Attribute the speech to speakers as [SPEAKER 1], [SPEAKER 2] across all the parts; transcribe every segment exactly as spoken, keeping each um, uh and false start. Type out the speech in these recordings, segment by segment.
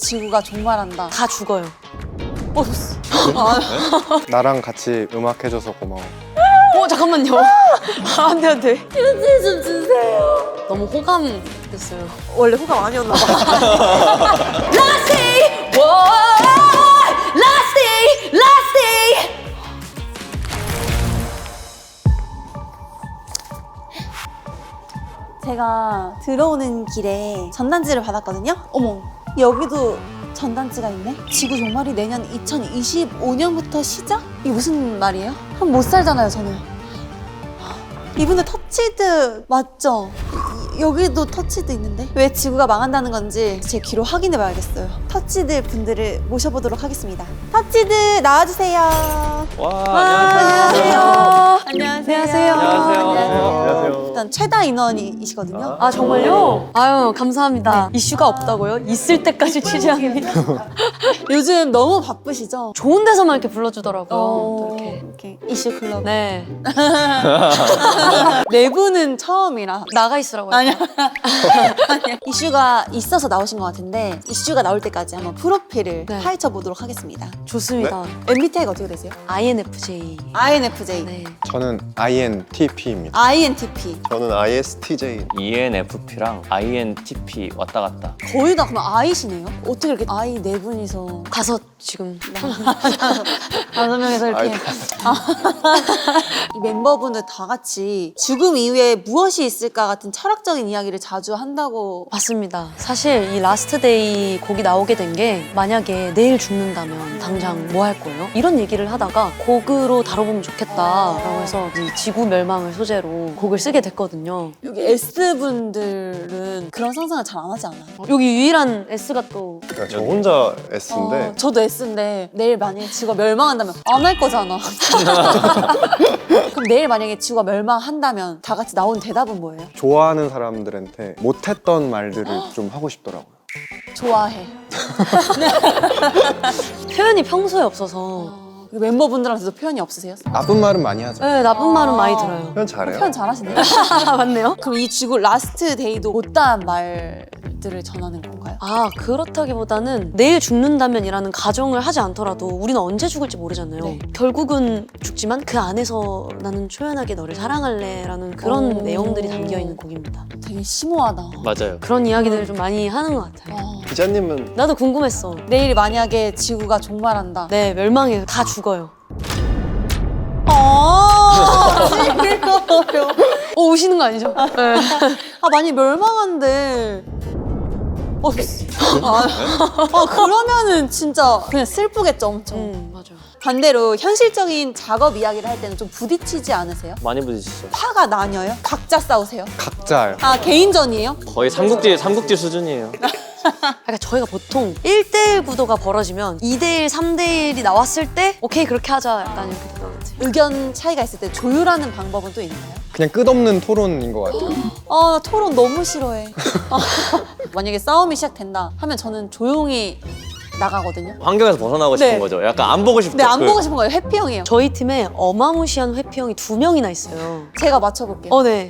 [SPEAKER 1] 지구가 종말한다.
[SPEAKER 2] 다 죽어요.
[SPEAKER 1] 어, 아,
[SPEAKER 3] 나랑 같이 음악 해줘서 고마워.
[SPEAKER 2] 어 잠깐만요. 아, 안돼 안돼.
[SPEAKER 1] 편지 좀 주세요.
[SPEAKER 2] 너무 호감 됐어요.
[SPEAKER 1] 원래 호감 아니었나 봐.
[SPEAKER 2] Last day, whoa, last day, last day.
[SPEAKER 1] 제가 들어오는 길에 전단지를 받았거든요. 어머, 여기도 전단지가 있네. 지구 종말이 내년 이천이십오 년부터 시작? 이게 무슨 말이에요? 한 못 살잖아요, 저는. 이분들 터치드 맞죠? 이- 여기도 터치드 있는데? 왜 지구가 망한다는 건지 제 귀로 확인해 봐야겠어요. 터치드 분들을 모셔보도록 하겠습니다. 터치드 나와주세요.
[SPEAKER 4] 와,
[SPEAKER 1] 안녕하세요.
[SPEAKER 2] 안녕하세요.
[SPEAKER 4] 안녕하세요.
[SPEAKER 1] 일단 최다 인원이시거든요.
[SPEAKER 2] 아 정말요? 아유 감사합니다. 이슈가 없다고요? 있을 때까지 취재합니다.
[SPEAKER 1] 요즘 너무 바쁘시죠?
[SPEAKER 2] 좋은 데서만 이렇게 불러주더라고요.
[SPEAKER 1] 어,
[SPEAKER 2] 또 이렇게.
[SPEAKER 1] 이렇게 이슈 클럽.
[SPEAKER 2] 네.
[SPEAKER 1] 내부는 처음이라.
[SPEAKER 2] 나가 있으라고요.
[SPEAKER 1] 아니야. 아니야. 이슈가 있어서 나오신 것 같은데 이슈가 나올 때까지 한번 프로필을
[SPEAKER 2] 네.
[SPEAKER 1] 파헤쳐 보도록 하겠습니다.
[SPEAKER 2] 좋습니다.
[SPEAKER 1] 엠비티아이가 어떻게 되세요?
[SPEAKER 2] 아이엔에프제이.
[SPEAKER 1] 아이엔에프제이.
[SPEAKER 2] 네.
[SPEAKER 3] 저는 아이엔티피입니다.
[SPEAKER 1] 아이엔티피.
[SPEAKER 5] 저는 아이에스티제이.
[SPEAKER 4] 이엔에프피랑 아이엔티피 왔다 갔다.
[SPEAKER 1] 거의 다 그럼 아이시네요? 어떻게 이렇게 아이 네 분이서
[SPEAKER 2] 다섯 지금.
[SPEAKER 1] 다섯 명에서 이렇게 이 멤버분들 다 같이 죽음 이후에 무엇이 있을까 같은 철학적인 이야기를 자주 한다고.
[SPEAKER 2] 맞습니다. 사실 이 라스트 데이 곡이 나오게 된 게 만약에 내일 죽는다면 당장 뭐 할 거예요? 이런 얘기를 하다가 곡으로 다뤄보면 좋겠다라고 해서 이 지구 멸망을 소재로 곡을 쓰게 됐거든요.
[SPEAKER 1] 여기 S분들은 그런 상상을 잘 안 하지 않아요?
[SPEAKER 2] 여기 유일한 S가 또
[SPEAKER 5] 그러니까 저 혼자 S인데
[SPEAKER 1] 어, 저도 S인데 내일 만약에 지구가 멸망한다면 안 할 거잖아. 그럼 내일 만약에 지구가 멸망한다면 다 같이 나온 대답은 뭐예요?
[SPEAKER 3] 좋아하는 사람들한테 못했던 말들을 좀 하고 싶더라고요.
[SPEAKER 1] 좋아해.
[SPEAKER 2] 표현이 평소에 없어서
[SPEAKER 1] 어, 멤버분들한테도 표현이 없으세요?
[SPEAKER 3] 나쁜 말은 많이 하죠.
[SPEAKER 2] 네, 나쁜 말은 많이 들어요.
[SPEAKER 5] 표현 잘해요.
[SPEAKER 1] 표현 잘하시네요.
[SPEAKER 2] 아, 맞네요.
[SPEAKER 1] 그럼 이 지구 라스트 데이도 못다한 말들을 전하는 건가요?
[SPEAKER 2] 아 그렇다기보다는 내일 죽는다면이라는 가정을 하지 않더라도 우리는 언제 죽을지 모르잖아요.
[SPEAKER 1] 네.
[SPEAKER 2] 결국은 죽지만 그 안에서 나는 초연하게 너를 사랑할래라는 그런
[SPEAKER 1] 오.
[SPEAKER 2] 내용들이 담겨있는 곡입니다.
[SPEAKER 1] 되게 심오하다.
[SPEAKER 4] 맞아요.
[SPEAKER 2] 그런 이야기들을 좀 많이 하는 것 같아요.
[SPEAKER 1] 어.
[SPEAKER 5] 기자님은
[SPEAKER 2] 나도 궁금했어.
[SPEAKER 1] 내일 만약에 지구가 종말한다.
[SPEAKER 2] 네, 멸망해. 다 죽어요.
[SPEAKER 1] 아, 징그러워요.
[SPEAKER 2] 어, 우시는 거 아니죠? 네.
[SPEAKER 1] 아, 많이 멸망한데. 어, 아, 아, 그러면은 진짜 그냥 슬프겠죠, 엄청.
[SPEAKER 2] 음, 맞아요.
[SPEAKER 1] 반대로 현실적인 작업 이야기를 할 때는 좀 부딪히지 않으세요?
[SPEAKER 4] 많이 부딪히죠.
[SPEAKER 1] 파가 나뉘어요? 각자 싸우세요?
[SPEAKER 3] 각자요.
[SPEAKER 1] 아, 개인전이에요?
[SPEAKER 4] 거의 삼국지 삼국지 수준이에요.
[SPEAKER 2] 그러니까 저희가 보통 일 대일 구도가 벌어지면 이 대일, 삼 대일이 나왔을 때 오케이, 그렇게 하자. 약간 이렇게 되는 것 같아요.
[SPEAKER 1] 의견 차이가 있을 때 조율하는 방법은 또 있나요?
[SPEAKER 3] 그냥 끝없는 토론인 것 같아요.
[SPEAKER 1] 아, 나 토론 너무 싫어해. 아, 만약에 싸움이 시작된다 하면 저는 조용히 나가거든요.
[SPEAKER 4] 환경에서 벗어나고 싶은
[SPEAKER 1] 네.
[SPEAKER 4] 거죠. 약간 안 보고 싶죠.
[SPEAKER 1] 근데 안
[SPEAKER 4] 그-
[SPEAKER 1] 보고 싶은 거예요. 해피형이에요.
[SPEAKER 2] 저희 팀에 어마무시한 회피형이 두 명이나 있어요.
[SPEAKER 1] 제가 맞춰볼게요.
[SPEAKER 2] 어, 네.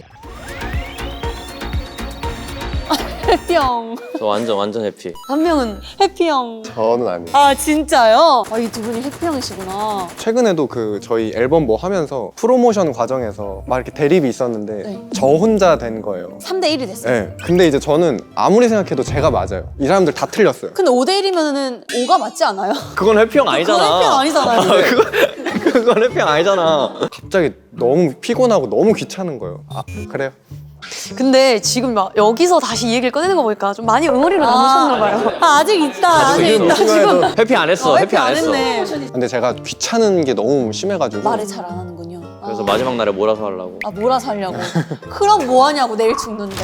[SPEAKER 1] 해피형.
[SPEAKER 4] 저 완전 완전 해피.
[SPEAKER 2] 한 명은
[SPEAKER 1] 해피형.
[SPEAKER 5] 저는 아니에요.
[SPEAKER 1] 아, 진짜요? 아, 이 두 분이 해피형이시구나.
[SPEAKER 3] 최근에도 그 저희 앨범 뭐 하면서 프로모션 과정에서 막 이렇게 대립이 있었는데
[SPEAKER 1] 네.
[SPEAKER 3] 저 혼자 된 거예요.
[SPEAKER 1] 삼 대 일이 됐어요.
[SPEAKER 3] 네. 근데 이제 저는 아무리 생각해도 제가 맞아요. 이 사람들 다 틀렸어요.
[SPEAKER 1] 근데 오 대 일이면은 오가 맞지 않아요?
[SPEAKER 4] 그건 해피형 아니잖아.
[SPEAKER 1] 그건 해피형 아니잖아요.
[SPEAKER 4] 그건, 그건 해피형 아니잖아.
[SPEAKER 3] 갑자기 너무 피곤하고 너무 귀찮은 거예요. 아, 그래요?
[SPEAKER 2] 근데 지금 막 여기서 다시 이 얘기를 꺼내는 거 보니까 좀 많이 응어리로 남으셨나 봐요.
[SPEAKER 1] 아, 아직 있다. 아직
[SPEAKER 5] 지금
[SPEAKER 1] 있다.
[SPEAKER 5] 심해도
[SPEAKER 4] 해피 안 했어.
[SPEAKER 1] 어,
[SPEAKER 4] 해피 안 했어.
[SPEAKER 1] 했네.
[SPEAKER 3] 근데 제가 귀찮은 게 너무 심해가지고
[SPEAKER 1] 말을 잘 안 하는군요.
[SPEAKER 4] 그래서
[SPEAKER 1] 아.
[SPEAKER 4] 마지막 날에 몰아서 하려고.
[SPEAKER 1] 아, 몰아서 하려고. 그럼 뭐 하냐고, 내일 죽는데.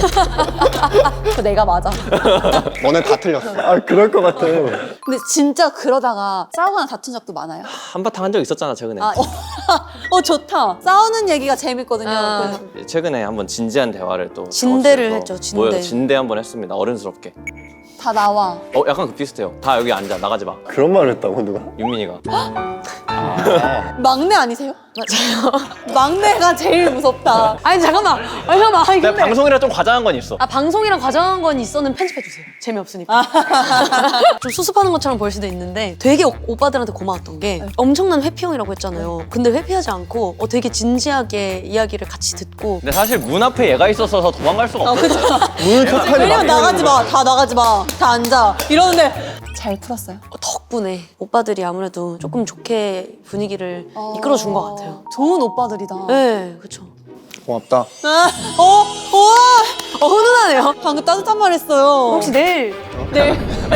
[SPEAKER 1] 그 내가 맞아.
[SPEAKER 3] 너네 다 틀렸어.
[SPEAKER 5] 아 그럴 것 같아.
[SPEAKER 1] 근데 진짜 그러다가 싸우거나 다툰 적도 많아요.
[SPEAKER 4] 한바탕 한 적 있었잖아 최근에.
[SPEAKER 1] 아, 어, 좋다. 싸우는 얘기가 재밌거든요.
[SPEAKER 2] 아.
[SPEAKER 1] 그래서
[SPEAKER 4] 최근에 한번 진지한 대화를 또
[SPEAKER 2] 진대를
[SPEAKER 4] 작업실에서
[SPEAKER 2] 했죠, 진대.
[SPEAKER 4] 모여서 진대 한번 했습니다. 어른스럽게.
[SPEAKER 1] 다 나와.
[SPEAKER 4] 어 약간 그 비슷해요. 다 여기 앉아 나가지 마.
[SPEAKER 5] 그런 말을 했다고 누가?
[SPEAKER 4] 윤민이가.
[SPEAKER 1] 막내 아니세요?
[SPEAKER 2] 맞아요.
[SPEAKER 1] 막내가 제일 무섭다.
[SPEAKER 2] 아니 잠깐만. 아니 잠깐만. 아니,
[SPEAKER 4] 내가
[SPEAKER 2] 근데
[SPEAKER 4] 방송이라 좀 과장한 건 있어.
[SPEAKER 2] 아 방송이랑 과장한 건 있었는 편집해 주세요. 재미없으니까. 좀 수습하는 것처럼 보일 수도 있는데 되게 오, 오빠들한테 고마웠던 게 엄청난 회피형이라고 했잖아요. 근데 회피하지 않고 어, 되게 진지하게 이야기를 같이 듣고
[SPEAKER 4] 근데 사실 문 앞에 얘가 있어서 도망갈 수가 없어.
[SPEAKER 5] 문을 탁하니
[SPEAKER 1] 왜냐면 나가지 마. 다 나가지 마. 다 앉아. 이러는데 잘 풀었어요.
[SPEAKER 2] 덕분에 오빠들이 아무래도 조금 좋게 분위기를 이끌어준 것 같아요.
[SPEAKER 1] 좋은 오빠들이다.
[SPEAKER 2] 네, 그렇죠.
[SPEAKER 3] 고맙다.
[SPEAKER 1] 아, 어, 와,
[SPEAKER 2] 어 훈훈하네요.
[SPEAKER 1] 방금 따뜻한 말 했어요.
[SPEAKER 2] 혹시 내일
[SPEAKER 1] 내일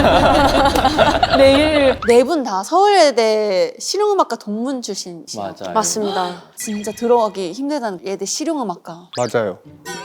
[SPEAKER 1] 내일 네 분 다 서울예대 실용음악과 동문 출신이시죠?
[SPEAKER 4] 맞아요.
[SPEAKER 2] 맞습니다.
[SPEAKER 1] 진짜 들어가기 힘들다는 예대 실용음악과.
[SPEAKER 3] 맞아요.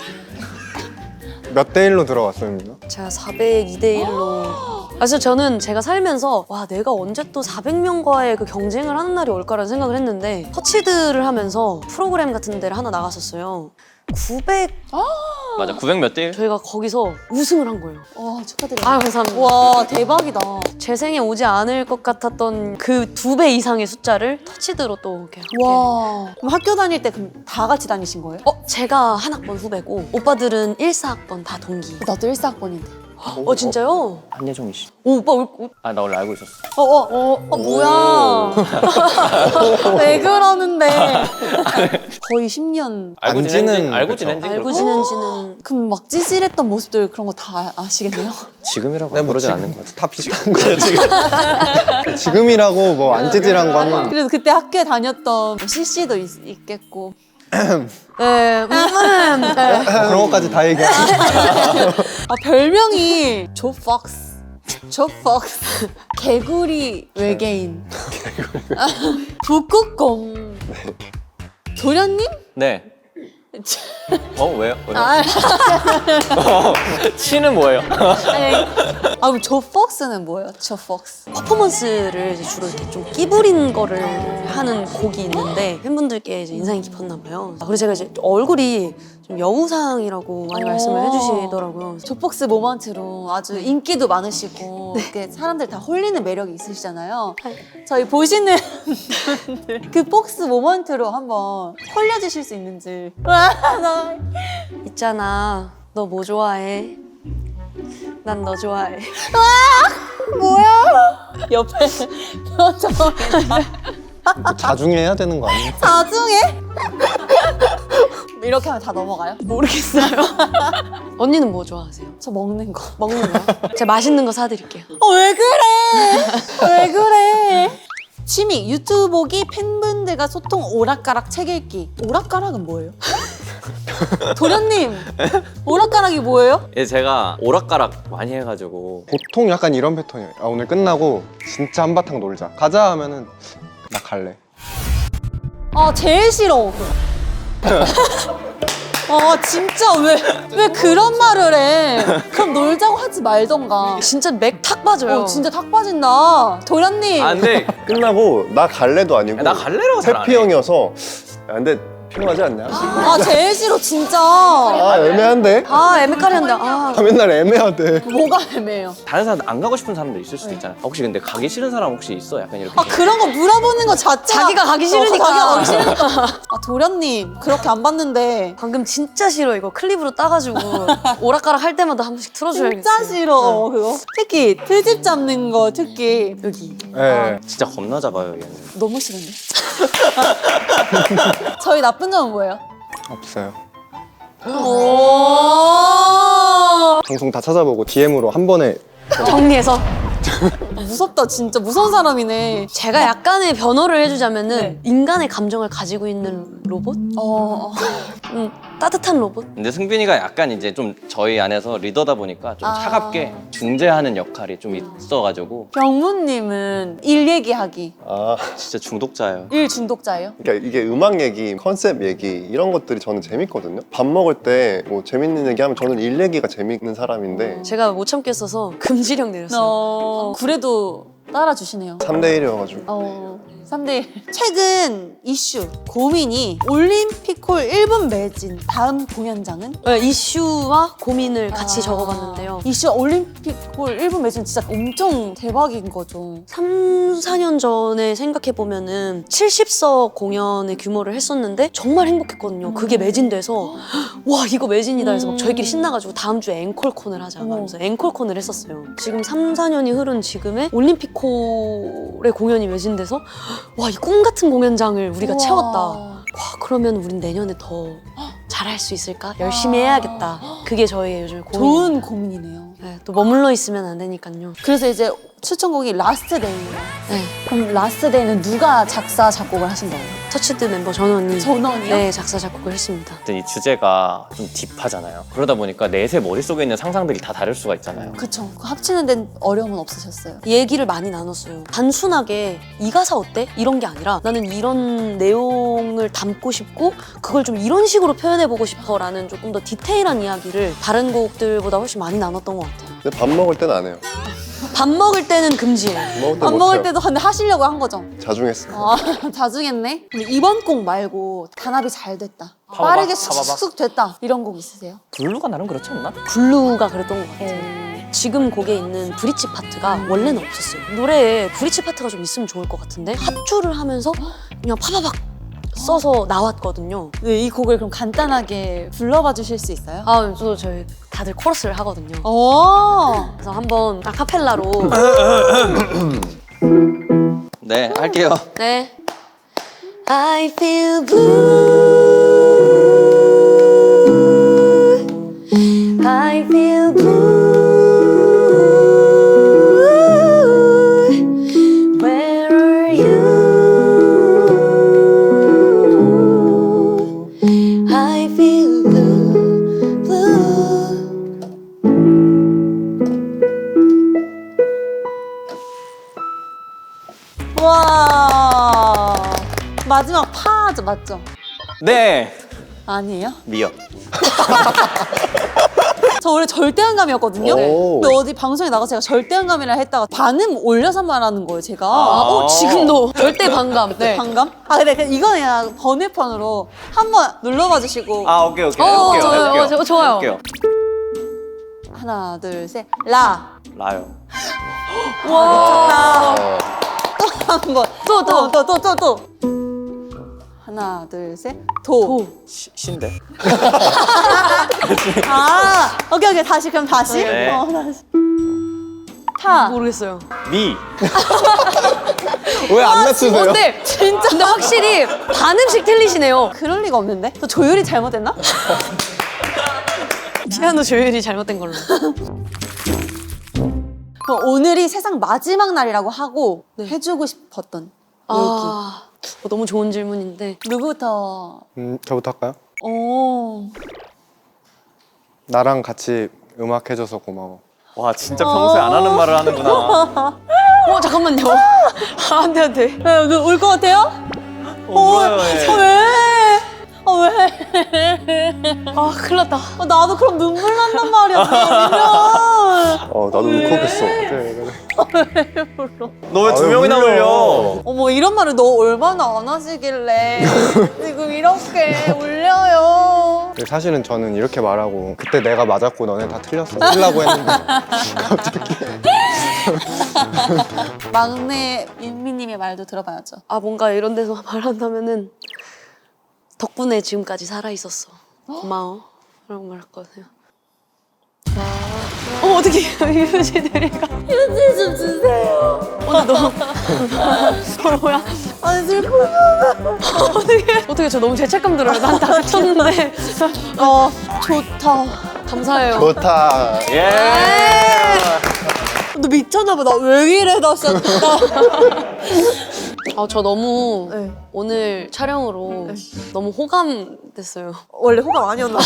[SPEAKER 3] 몇 대 일로 들어갔습니다.
[SPEAKER 2] 제가 사백이 대 일로. 사실 저는 제가 살면서 와 내가 언제 또 사백 명과의 그 경쟁을 하는 날이 올까라는 생각을 했는데 터치드를 하면서 프로그램 같은 데를 하나 나갔었어요. 구백
[SPEAKER 4] 맞아. 구백 몇 대 일?
[SPEAKER 2] 저희가 거기서 우승을 한 거예요.
[SPEAKER 1] 와, 축하드려요.
[SPEAKER 2] 아 감사합니다.
[SPEAKER 1] 와, 대박이다.
[SPEAKER 2] 제 생에 오지 않을 것 같았던 그 두 배 이상의 숫자를 터치드로 또 이렇게 함께.
[SPEAKER 1] 와, 그럼 학교 다닐 때 그럼 다 같이 다니신 거예요?
[SPEAKER 2] 어 제가 한 학번 후배고 오빠들은 일, 사 학번 다 동기.
[SPEAKER 1] 나도 일 사 학번인데.
[SPEAKER 2] 어 진짜요?
[SPEAKER 4] 한예종이 씨.
[SPEAKER 2] 오 오빠 올- 올-
[SPEAKER 4] 아, 나 원래 알고 있었어.
[SPEAKER 1] 어, 어, 어, 어 뭐야. 왜 그러는데. 거의 십 년.
[SPEAKER 4] 알고
[SPEAKER 3] 안
[SPEAKER 4] 지낸 지,
[SPEAKER 3] 지는
[SPEAKER 4] 알고
[SPEAKER 3] 그쵸.
[SPEAKER 4] 지낸 지
[SPEAKER 2] 알고
[SPEAKER 4] 그렇고.
[SPEAKER 2] 지낸 지는
[SPEAKER 1] 그럼 막 찌질했던 모습들 그런 거 다 아시겠네요?
[SPEAKER 4] 지금이라고
[SPEAKER 3] 네, 뭐
[SPEAKER 4] 그러진
[SPEAKER 3] 지금
[SPEAKER 4] 않는 것 같아.
[SPEAKER 3] 다 비슷한 거예요, 지금. 지금이라고 뭐 안 찌질한 거는
[SPEAKER 1] 그래서 그때 학교에 다녔던 뭐 씨씨도 있, 있겠고.
[SPEAKER 2] 네, 음, 음, 네.
[SPEAKER 3] 뭐 그런 것까지 다 얘기하고.
[SPEAKER 1] 아, 별명이 조 폭스. 조 폭스. 개구리 외계인. 아, 북극곰. 도련님?
[SPEAKER 4] 네. 어, 왜요? 왜요?
[SPEAKER 1] 아,
[SPEAKER 4] 치는 뭐예요?
[SPEAKER 1] 아니. 아, 그럼 조 폭스는 뭐예요? 조 폭스.
[SPEAKER 2] 퍼포먼스를 이제 주로 이렇게 좀 끼부린 거를 하는 곡이 있는데 팬분들께 이제 인상이 깊었나 봐요. 아, 그리고 제가 이제 얼굴이 좀 여우상이라고 많이 말씀을 해주시더라고요.
[SPEAKER 1] 조 폭스 모먼트로 아주 인기도 많으시고 이렇게 사람들 다 홀리는 매력이 있으시잖아요. 저희 보시는 분들 그 폭스 모먼트로 한번 홀려주실 수 있는지. 와, 나
[SPEAKER 2] 있잖아, 너 뭐 좋아해? 난 너 좋아해.
[SPEAKER 1] 뭐야? 옆에 표정이
[SPEAKER 3] 자중해 해야 되는 거 아니에요?
[SPEAKER 1] 나중에 이렇게 하면 다 넘어가요?
[SPEAKER 2] 모르겠어요. 언니는 뭐 좋아하세요?
[SPEAKER 1] 저 먹는 거.
[SPEAKER 2] 먹는 거? 제가 맛있는 거 사드릴게요.
[SPEAKER 1] 어, 왜 그래? 왜 그래? 취미 유튜브 보기, 팬분들과 소통, 오락가락, 책 읽기. 오락가락은 뭐예요? 도련님, 오락가락이 뭐예요?
[SPEAKER 4] 예, 제가 오락가락 많이 해가지고
[SPEAKER 3] 보통 약간 이런 패턴이에요. 아, 오늘 끝나고 진짜 한바탕 놀자. 가자 하면은 나 갈래.
[SPEAKER 1] 아, 제일 싫어. 아, 진짜 왜, 왜 그런 말을 해? 그럼 놀자고 하지 말던가.
[SPEAKER 2] 진짜 맥 탁 빠져요.
[SPEAKER 1] 어, 진짜 탁 빠진다. 도련님.
[SPEAKER 4] 아 근데
[SPEAKER 5] 끝나고 나 갈래도 아니고
[SPEAKER 4] 나 갈래라고 잘 안 해.
[SPEAKER 5] 해피 형이어서 야, 근데 필요하지 않냐?
[SPEAKER 1] 아, 제일 싫어, 진짜.
[SPEAKER 5] 아 애매한데?
[SPEAKER 2] 아 애매까리한데. 아
[SPEAKER 3] 아, 맨날 애매하대.
[SPEAKER 1] 뭐가 애매해요?
[SPEAKER 4] 다른 사람 안 가고 싶은 사람도 있을 수도 있잖아. 혹시 근데 가기 싫은 사람 혹시 있어? 약간 이렇게.
[SPEAKER 1] 아, 그런 거 물어보는 거 자체가
[SPEAKER 2] 자기가 가기 싫으니까.
[SPEAKER 1] 어, 자기가 가기 싫으니까. 아, 도련님, 그렇게 안 봤는데.
[SPEAKER 2] 방금 진짜 싫어. 이거 클립으로 따가지고 오락가락 할 때마다 한 번씩 틀어줘야겠어.
[SPEAKER 1] 진짜 싫어, 그거. 특히 트집 잡는 거 특히
[SPEAKER 2] 여기.
[SPEAKER 3] 예.
[SPEAKER 4] 진짜 겁나 잡아요 얘는.
[SPEAKER 1] 너무 싫은데. 저희 나쁜 점은 뭐예요?
[SPEAKER 3] 없어요.
[SPEAKER 1] 오.
[SPEAKER 3] 방송 다 찾아보고 디엠으로 한 번에
[SPEAKER 2] 정리해서
[SPEAKER 1] 무섭다, 진짜 무서운 사람이네.
[SPEAKER 2] 제가 약간의 변호를 해주자면은
[SPEAKER 1] 네.
[SPEAKER 2] 인간의 감정을 가지고 있는 로봇?
[SPEAKER 1] 어.
[SPEAKER 2] 음, 따뜻한 로봇?
[SPEAKER 4] 근데 승빈이가 약간 이제 좀 저희 안에서 리더다 보니까 좀
[SPEAKER 1] 아.
[SPEAKER 4] 차갑게 중재하는 역할이 좀 있어가지고
[SPEAKER 1] 병무님은 일 얘기하기.
[SPEAKER 5] 아
[SPEAKER 4] 진짜 중독자예요.
[SPEAKER 1] 일 중독자예요?
[SPEAKER 5] 그러니까 이게 음악 얘기, 컨셉 얘기 이런 것들이 저는 재밌거든요. 밥 먹을 때 뭐 재밌는 얘기하면 저는 일 얘기가 재밌는 사람인데
[SPEAKER 2] 제가 못 참겠어서 금지령 내렸어요.
[SPEAKER 1] 어. 그래도 따라주시네요.
[SPEAKER 5] 삼 대 일이어가지고
[SPEAKER 1] 어. 삼 대 일. 최근 이슈, 고민이 올림픽홀 일 분 매진 다음 공연장은?
[SPEAKER 2] 네, 이슈와 고민을 같이
[SPEAKER 1] 아,
[SPEAKER 2] 적어봤는데요.
[SPEAKER 1] 이슈 올림픽홀 일 분 매진 진짜 엄청 대박인 거죠.
[SPEAKER 2] 삼, 사 년 전에 생각해보면은 칠십 석 공연의 규모를 했었는데 정말 행복했거든요. 그게 매진돼서 와 이거 매진이다 해서 막 저희끼리 신나가지고 다음 주에 앵콜콘을 하자 하면서 앵콜콘을 했었어요. 지금 삼, 사 년이 흐른 지금에 올림픽홀의 공연이 매진돼서 와 이 꿈 같은 공연장을 우리가
[SPEAKER 1] 우와.
[SPEAKER 2] 채웠다. 와 그러면 우린 내년에 더 잘할 수 있을까? 열심히 해야겠다. 그게 저희의 요즘 고민.
[SPEAKER 1] 좋은 고민이네요.
[SPEAKER 2] 네, 또 머물러 있으면 안 되니까요.
[SPEAKER 1] 그래서 이제 추천곡이 라스트 데이예요.
[SPEAKER 2] 네,
[SPEAKER 1] 그럼 라스트 데이는 누가 작사, 작곡을 하신 거예요?
[SPEAKER 2] 터치드 멤버 전원이
[SPEAKER 1] 전원이요?
[SPEAKER 2] 네 작사 작곡을 했습니다.
[SPEAKER 4] 어쨌든 이 주제가 좀 딥하잖아요. 그러다 보니까 넷의 머릿속에 있는 상상들이 다 다를 수가 있잖아요.
[SPEAKER 1] 그쵸. 그 합치는 데는 어려움은 없으셨어요?
[SPEAKER 2] 얘기를 많이 나눴어요. 단순하게 이 가사 어때? 이런 게 아니라 나는 이런 내용을 담고 싶고 그걸 좀 이런 식으로 표현해보고 싶어라는 조금 더 디테일한 이야기를 다른 곡들보다 훨씬 많이 나눴던 것 같아요.
[SPEAKER 5] 근데 밥 먹을 때는 안 해요.
[SPEAKER 2] 밥 먹을 때는 금지예요.
[SPEAKER 5] 밥 먹을
[SPEAKER 1] 밥
[SPEAKER 5] 때못
[SPEAKER 1] 먹을
[SPEAKER 5] 해요.
[SPEAKER 1] 때도 근데 하시려고 한 거죠?
[SPEAKER 5] 자중했어요.
[SPEAKER 1] 아, 자중했네. 근데 이번 곡 말고 단합이 잘 됐다.
[SPEAKER 4] 파바박,
[SPEAKER 1] 빠르게
[SPEAKER 4] 파바박.
[SPEAKER 1] 쑥쑥 됐다. 이런 곡 있으세요?
[SPEAKER 4] 블루가 나름 그렇지 않나?
[SPEAKER 2] 블루가 그랬던 것 같아요. 지금 곡에 있는 브릿지 파트가 원래는 없었어요. 노래에 브릿지 파트가 좀 있으면 좋을 것 같은데 합주를 하면서 그냥 파바박 써서 나왔거든요.
[SPEAKER 1] 네, 이 곡을 그럼 간단하게 불러봐 주실 수 있어요?
[SPEAKER 2] 아, 또 저희 다들 코러스를 하거든요.
[SPEAKER 1] 오!
[SPEAKER 2] 그래서 한번 아카펠라로
[SPEAKER 4] 네, 할게요.
[SPEAKER 2] 네. I feel blue. I feel blue. Where are you? I feel blue, blue.
[SPEAKER 1] 와. 마지막 파죠, 맞죠?
[SPEAKER 4] 네,
[SPEAKER 1] 아니에요?
[SPEAKER 4] 미역.
[SPEAKER 1] 저 원래 절대음감이었거든요.
[SPEAKER 5] 오.
[SPEAKER 1] 근데 어디 방송에 나가서 제가 절대음감이라 했다가 반음 올려서 말하는 거예요, 제가.
[SPEAKER 2] 아, 어, 지금도 절대 반감. 네.
[SPEAKER 1] 반감? 아, 근데 그냥 이거는 그냥 번외편으로 한번 눌러봐 주시고.
[SPEAKER 4] 아, 오케이, 오케이.
[SPEAKER 2] 어,
[SPEAKER 4] 해볼게요,
[SPEAKER 2] 좋아요.
[SPEAKER 4] 해볼게요.
[SPEAKER 2] 어, 저- 좋아요.
[SPEAKER 4] 해볼게요.
[SPEAKER 1] 하나, 둘, 셋. 라.
[SPEAKER 4] 라요.
[SPEAKER 1] 라.
[SPEAKER 5] 어,
[SPEAKER 1] 한 번.
[SPEAKER 2] 또, 또.
[SPEAKER 1] 어, 또, 또, 또, 또. 하나, 둘, 셋. 도.
[SPEAKER 4] 시, 신데?
[SPEAKER 1] 아, 오케이, 오케이. 다시, 그럼 다시.
[SPEAKER 4] 네.
[SPEAKER 1] 어, 다시. 타.
[SPEAKER 2] 모르겠어요.
[SPEAKER 4] 미.
[SPEAKER 5] 왜 안 맞추세요?
[SPEAKER 2] 근데 진짜 근데 확실히 반음씩 틀리시네요.
[SPEAKER 1] 그럴 리가 없는데? 또 조율이 잘못됐나?
[SPEAKER 2] 피아노 조율이 잘못된 걸로.
[SPEAKER 1] 그럼 오늘이 세상 마지막 날이라고 하고
[SPEAKER 2] 네.
[SPEAKER 1] 해주고 싶었던
[SPEAKER 2] 아, 어, 너무 좋은 질문인데.
[SPEAKER 1] 얘기. 누구부터?
[SPEAKER 3] 음, 저부터 할까요?
[SPEAKER 1] 오.
[SPEAKER 3] 나랑 같이 음악 해줘서 고마워.
[SPEAKER 4] 와, 진짜 평소에 안 하는 말을 하는구나.
[SPEAKER 2] 어 잠깐만요. 아, 안돼 안돼.
[SPEAKER 1] 울 것 같아요?
[SPEAKER 4] 어, 울어요, 예.
[SPEAKER 1] 어, 왜? 어, 왜?
[SPEAKER 2] 아 큰일 났다.
[SPEAKER 1] 어, 나도 그럼 눈물 난단 말이야, 그러면.
[SPEAKER 5] 어, 나도 울컥했어.
[SPEAKER 3] 그래, 그래.
[SPEAKER 4] 너 왜 두
[SPEAKER 5] 아유,
[SPEAKER 4] 명이나
[SPEAKER 5] 울려.
[SPEAKER 4] 울려?
[SPEAKER 1] 어머, 이런 말을 너 얼마나 안 하시길래 지금 이렇게 울려요.
[SPEAKER 3] 근데 사실은 저는 이렇게 말하고 그때 내가 맞았고 너네 다 틀렸어 쓰려고 했는데
[SPEAKER 1] 막내 윤미님의 말도 들어봐야죠.
[SPEAKER 2] 아 뭔가 이런 데서 말한다면은 덕분에 지금까지 살아 있었어. 고마워. 라고 말했거든요. 어 어떻게 유지들이가
[SPEAKER 1] 휴지 좀 주세요.
[SPEAKER 2] 오늘 너무 서로야.
[SPEAKER 1] 아니, 슬퍼.
[SPEAKER 2] 어떻게 어떻게 저 너무 죄책감 들어요. 난 다 쳤는데.
[SPEAKER 1] 어, 좋다.
[SPEAKER 2] 감사해요.
[SPEAKER 5] 좋다.
[SPEAKER 4] 예.
[SPEAKER 1] 너 미쳤나봐. 나 왜 이래, 나 진짜.
[SPEAKER 2] 아 저 너무
[SPEAKER 1] 네.
[SPEAKER 2] 오늘 촬영으로 너무 호감됐어요.
[SPEAKER 1] 원래 호감 아니었나 봐.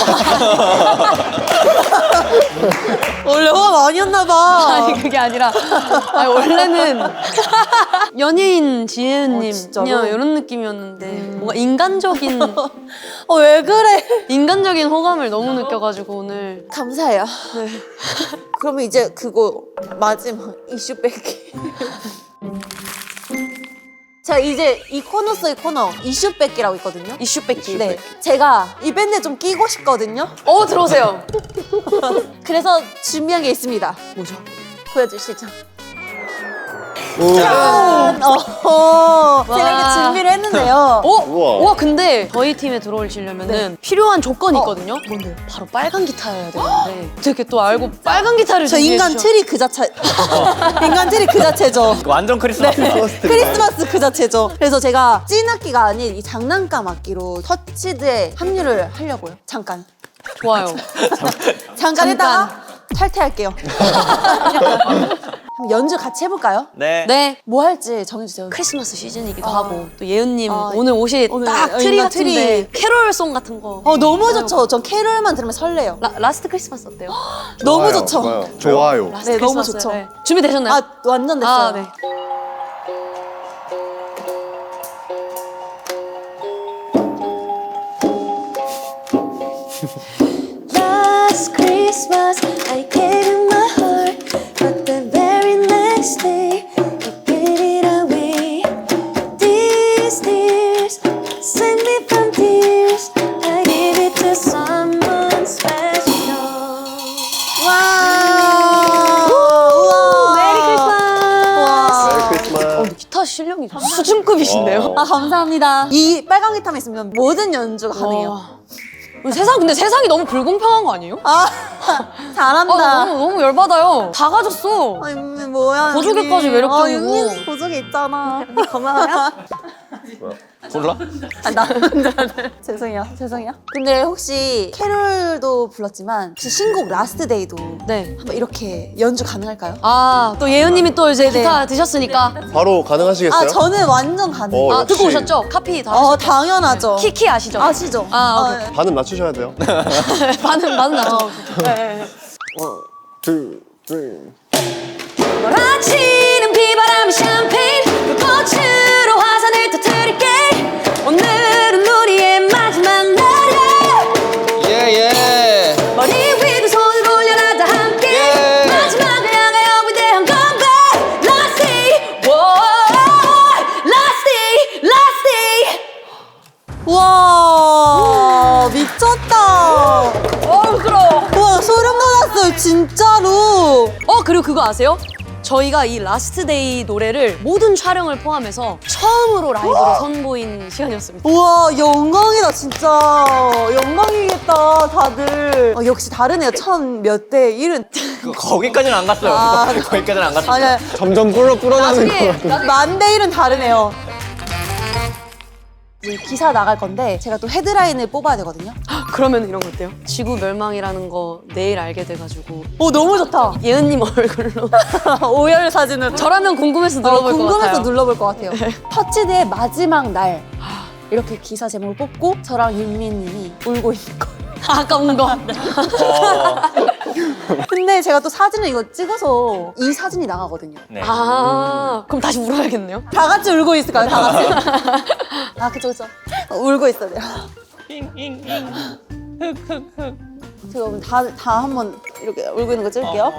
[SPEAKER 1] 원래 호감 아니었나 봐.
[SPEAKER 2] 아니 그게 아니라 아니, 원래는 연예인 지혜은님
[SPEAKER 1] 어, 진짜로?
[SPEAKER 2] 그냥 이런 느낌이었는데 뭔가 인간적인
[SPEAKER 1] 어, 왜 그래?
[SPEAKER 2] 인간적인 호감을 너무 느껴가지고 오늘
[SPEAKER 1] 감사해요.
[SPEAKER 2] 네.
[SPEAKER 1] 그러면 이제 그거 마지막 이슈 빼기. 제가 이제 이 코너 속의 코너 이슈 뺏기라고 있거든요.
[SPEAKER 2] 이슈 뺏기.
[SPEAKER 1] 네, 제가 이 밴드에 좀 끼고 싶거든요.
[SPEAKER 2] 어, 들어오세요.
[SPEAKER 1] 그래서 준비한 게 있습니다.
[SPEAKER 2] 뭐죠?
[SPEAKER 1] 보여주시죠.
[SPEAKER 5] 오.
[SPEAKER 1] 짠! 어허, 제가 이렇게 준비를 했는데요.
[SPEAKER 2] 어?
[SPEAKER 5] 우와.
[SPEAKER 2] 와, 근데 저희 팀에 들어오시려면은 필요한 조건이 있거든요. 뭔데요? 바로 빨간 기타여야 되는데 어떻게 또 알고 빨간 기타를
[SPEAKER 1] 저
[SPEAKER 2] 준비해
[SPEAKER 1] 인간
[SPEAKER 2] 주셔-
[SPEAKER 1] 트리 그 자체. 인간 트리 그 자체죠.
[SPEAKER 4] 완전 크리스마스.
[SPEAKER 1] 크리스마스 그 자체죠. 그래서 제가 찐 악기가 아닌 이 장난감 악기로 터치드에 합류를 하려고요. 잠깐.
[SPEAKER 2] 좋아요.
[SPEAKER 1] 잠깐
[SPEAKER 2] 잠깐.
[SPEAKER 1] 했다가 탈퇴할게요. 그럼 연주 같이 해볼까요?
[SPEAKER 4] 네.
[SPEAKER 2] 네.
[SPEAKER 1] 뭐 할지 정해주세요.
[SPEAKER 2] 크리스마스 시즌이기도
[SPEAKER 1] 어.
[SPEAKER 2] 하고 또 예은님
[SPEAKER 1] 어,
[SPEAKER 2] 오늘 옷이
[SPEAKER 1] 오늘
[SPEAKER 2] 딱
[SPEAKER 1] 어,
[SPEAKER 2] 트리
[SPEAKER 1] 인간
[SPEAKER 2] 같은데
[SPEAKER 1] 트리.
[SPEAKER 2] 캐롤송 같은 거.
[SPEAKER 1] 어 너무 좋죠. 전 캐롤만 들으면 설레요.
[SPEAKER 2] 라, 라스트 크리스마스 어때요?
[SPEAKER 1] 너무
[SPEAKER 5] 좋아요,
[SPEAKER 1] 좋죠.
[SPEAKER 5] 좋아요. 좋아요.
[SPEAKER 2] 라스트
[SPEAKER 1] 네, 너무
[SPEAKER 2] 크리스마스.
[SPEAKER 1] 좋죠.
[SPEAKER 2] 네. 준비되셨나요?
[SPEAKER 1] 아 완전 됐어요.
[SPEAKER 2] 아, 네.
[SPEAKER 6] Last Christmas, I gave you my heart, but the very next day, you gave it away. These tears save me from tears. I give it to someone special.
[SPEAKER 1] 와. 우와.
[SPEAKER 2] 메리 크리스마스.
[SPEAKER 1] 와.
[SPEAKER 5] 메리 크리스마스.
[SPEAKER 2] 어, 기타 실력이 수준급이신데요?
[SPEAKER 1] 아 감사합니다. 이 빨간 기타만 있으면 모든 연주가 가능해요.
[SPEAKER 2] 와. 세상 근데 세상이 너무 불공평한 거 아니에요?
[SPEAKER 1] 아
[SPEAKER 2] 아,
[SPEAKER 1] 잘한다.
[SPEAKER 2] 너무 너무 열받아요. 다 가졌어.
[SPEAKER 1] 아, 윤미 뭐야?
[SPEAKER 2] 보조개까지
[SPEAKER 1] 윤미.
[SPEAKER 2] 매력적이고.
[SPEAKER 1] 아, 윤미 보조개 있잖아. 언니 고마워요.
[SPEAKER 4] 몰라?
[SPEAKER 1] 아, 나 혼자는. 죄송해요. 죄송해요. 근데 혹시 캐롤도 불렀지만 혹시 신곡 라스트 데이도
[SPEAKER 2] 네.
[SPEAKER 1] 한번 이렇게 연주 가능할까요?
[SPEAKER 2] 아, 또 예은님이 또 이제
[SPEAKER 1] 네.
[SPEAKER 2] 기타 드셨으니까.
[SPEAKER 5] 바로 가능하시겠어요?
[SPEAKER 1] 아 저는 완전 가능해요.
[SPEAKER 5] 어,
[SPEAKER 2] 아, 듣고
[SPEAKER 5] 역시.
[SPEAKER 2] 오셨죠? 카피 다.
[SPEAKER 1] 어 당연하죠.
[SPEAKER 2] 키키 아시죠?
[SPEAKER 1] 아시죠?
[SPEAKER 2] 아, 오케이.
[SPEAKER 1] 네.
[SPEAKER 5] 반음 낮추셔야 돼요.
[SPEAKER 2] 반은 반은 나죠.
[SPEAKER 5] Two, three.
[SPEAKER 6] 몰아치는 비바람의 샴페인 불꽃으로 화산을 터뜨릴게. 오늘은 우리의 마지막 날이야.
[SPEAKER 3] 예예.
[SPEAKER 6] 머리 위로 손을 올려라 다 함께.
[SPEAKER 3] 예.
[SPEAKER 6] 마지막을 향하여 위대한 건배. Last day, whoa, last day, last day.
[SPEAKER 1] 우와 미쳤다.
[SPEAKER 2] 어, 부끄러워.
[SPEAKER 1] 와 소름 돋았어요 진짜로.
[SPEAKER 2] 어, 그리고 그거 아세요? 저희가 이 라스트 데이 노래를 모든 촬영을 포함해서 처음으로 라이브로 선보인 시간이었습니다.
[SPEAKER 1] 우와 영광이다 진짜. 영광이겠다 다들. 어, 역시 다르네요. 천 몇 대 일은.
[SPEAKER 4] 그, 거기까지는 안 갔어요.
[SPEAKER 1] 아,
[SPEAKER 4] 거기까지는 안 갔어요.
[SPEAKER 1] 아니야
[SPEAKER 3] 점점 불어 불어나는 거.
[SPEAKER 2] 나중에
[SPEAKER 1] 만 대 일은 다르네요. 이제 기사 나갈 건데 제가 또 헤드라인을 뽑아야 되거든요.
[SPEAKER 2] 그러면 이런 거 어때요? 지구 멸망이라는 거 내일 알게 돼가지고
[SPEAKER 1] 오 너무 좋다.
[SPEAKER 2] 예은님 얼굴로
[SPEAKER 1] 오열 사진을
[SPEAKER 2] 저라면 궁금해서
[SPEAKER 1] 어,
[SPEAKER 2] 눌러볼 것
[SPEAKER 1] 궁금해서
[SPEAKER 2] 같아요.
[SPEAKER 1] 눌러볼 것 같아요. 터치드의 마지막 날 이렇게 기사 제목을 뽑고 저랑 윤미님이 울고 있는 거.
[SPEAKER 2] 아까운 거.
[SPEAKER 4] 어,
[SPEAKER 1] 근데 제가 또 사진을 이거 찍어서 이 사진이 나가거든요.
[SPEAKER 4] 네.
[SPEAKER 2] 아, 그럼 다시 울어야겠네요.
[SPEAKER 1] 다 같이 울고 있을까요? 다 같이? 아 그쵸 그쵸. 어, 울고 있어야 돼요. 제가 그럼 다, 다 한번 이렇게 울고 있는 거 찍을게요.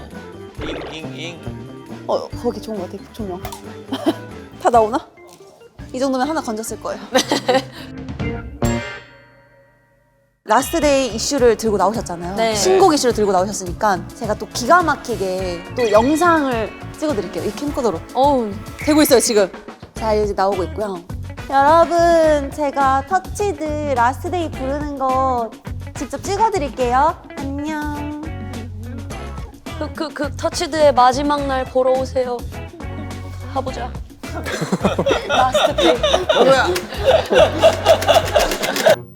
[SPEAKER 1] 어 거기 좋은 것 같아 조명. 다 나오나? 이 정도면 하나 건졌을 거예요. 라스트 데이 이슈를 들고 나오셨잖아요.
[SPEAKER 2] 네.
[SPEAKER 1] 신곡 이슈를 들고 나오셨으니까 제가 또 기가 막히게 또 영상을 찍어드릴게요. 이 캠코더로.
[SPEAKER 2] 어우,
[SPEAKER 1] 되고 있어요 지금. 자 이제 나오고 있고요. 여러분 제가 터치드 라스트 데이 부르는 거 직접 찍어드릴게요. 안녕.
[SPEAKER 2] 그, 그, 그 터치드의 마지막 날 보러 오세요. 가보자. 라스트 데이.
[SPEAKER 1] 뭐야?